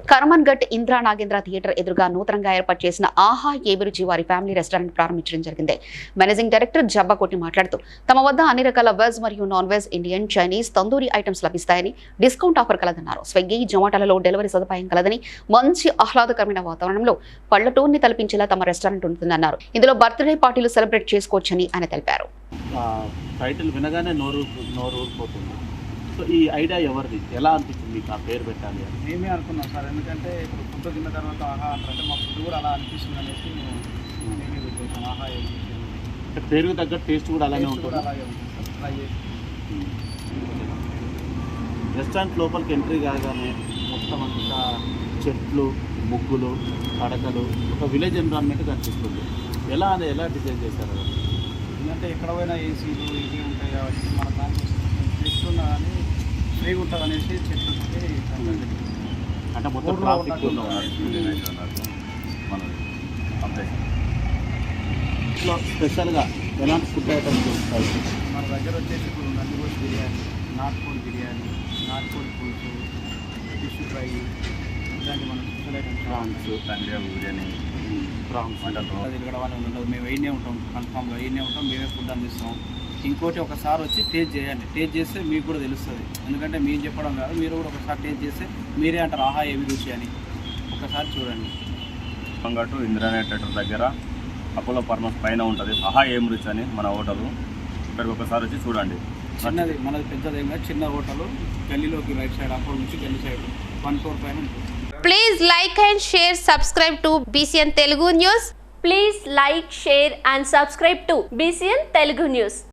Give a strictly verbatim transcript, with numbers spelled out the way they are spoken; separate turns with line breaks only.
కర్మన్ఘట్ Indra Nagendra theatre ఎదురుగా నూతనంగా ఏర్పాటు చేసిన ఆహా ఏబిరుచి వారి ఫ్యామిలీ రెస్టారెంట్ ప్రారంభించడం జరిగింది. మేనేజింగ్ డైరెక్టర్ జబ్బకోటి మాట్లాడుతూ తమ వద్ద అన్ని రకాల వెజ్ మరియు non veg, Indian, Chinese, tandoori items లభిస్తాయని, డిస్కౌంట్ ఆఫర్ కలదన్నారు. స్విగ్గీ, జొమాటోలలో డెలివరీ సదుపాయం కలదని, మంచి ఆహ్లాదకరమైన వాతావరణంలో పల్లెటూరుని తలపించేలా తమ రెస్టారెంట్ ఉంటుందన్నారు. ఇందులో బర్త్డే పార్టీలు సెలబ్రేట్ చేసుకోవచ్చని ఆయన తెలిపారు.
టైటిల్ వినగానే నోరు నోరు ఊరిపోతుంది. సో ఈ ఐడియా ఎవరిది, ఎలా అనిపించింది మీకు ఆ పేరు పెట్టాలి అని?
మేమే అనుకున్నాం సార్, ఎందుకంటే ఇప్పుడు ఫుడ్ తిన్న తర్వాత ఆహా అంటారంటే మా ఫుడ్ కూడా అలా అనిపిస్తుంది అనేసి మేము మేమే పెట్టేసాం. ఆహా
అంటే పేరుకు తగ్గట్టు టేస్ట్ కూడా అలానే ఉంటుంది.
అలాగే ఉంటుంది సార్. ట్రై చేసి
రెస్టారెంట్ లోపలికి ఎంట్రీ కాగానే మొత్తం అంతా చెట్లు, ముగ్గులు, పడకలు, ఒక విలేజ్ ఎన్విరాన్మెంట్ కనిపిస్తుంది. ఎలా అని ఎలా డిజైన్ చేశారు?
ఎందుకంటే ఎక్కడ పోయినా ఏసీలు ఇవి ఉంటాయి కాబట్టి మన దాంట్లో ఫ్రెష్ ఉన్నా కానీ ఫ్రీగా ఉంటుంది అనేసి చెట్లు
అంటే మొత్తం ట్రాఫిక్ ఇట్లా స్పెషల్గా ఎలాంటి ఫుడ్ ఐటమ్స్ దొరుకుతాయి
మన దగ్గర వచ్చేసి ఇప్పుడు నందిగోష్ బిర్యానీ, నాటుకోడి బిర్యానీ, నాటుకోడి పులుసు, ఫిష్ ఫ్రై, ఇలాంటి మన స్పెషల్ ఐటమ్స్,
ప్రాన్స్, తండ్రి బిర్యానీ, ప్రాన్స్
అది ఇక్కడ వాళ్ళు ఉండదు. మేము వేయనే ఉంటాం, కన్ఫామ్గా వేయనే ఉంటాం, మేమే ఫుడ్ అందిస్తాం. ఇంకోటి ఒకసారి వచ్చి టేస్ట్ చేయండి, టేస్ట్ చేస్తే మీకు కూడా తెలుస్తుంది. ఎందుకంటే మీరు చెప్పడం కాదు, మీరు కూడా ఒకసారి టేస్ట్ చేస్తే మీరే అంటారు ఆహా ఏవి రుచి అని. ఒకసారి చూడండి.
అంగట్టు ఇంద్రానే థియేటర్ దగ్గర అపోలో ఫార్మస్ పైన ఉంటుంది ఆహా ఏం రుచి అని మన హోటలు. ఇక్కడికి ఒకసారి వచ్చి చూడండి.
చిన్నది మనది పెద్దది ఏం కాదు, చిన్న హోటలు గల్లీలోకి రైట్ సైడ్, అపోలో నుంచి గల్లీ సైడ్ వన్ ఫ్లోర్ పైన ఉంటుంది.
Please like and share, subscribe to B C N Telugu News.
Please like, share and subscribe to B C N Telugu News.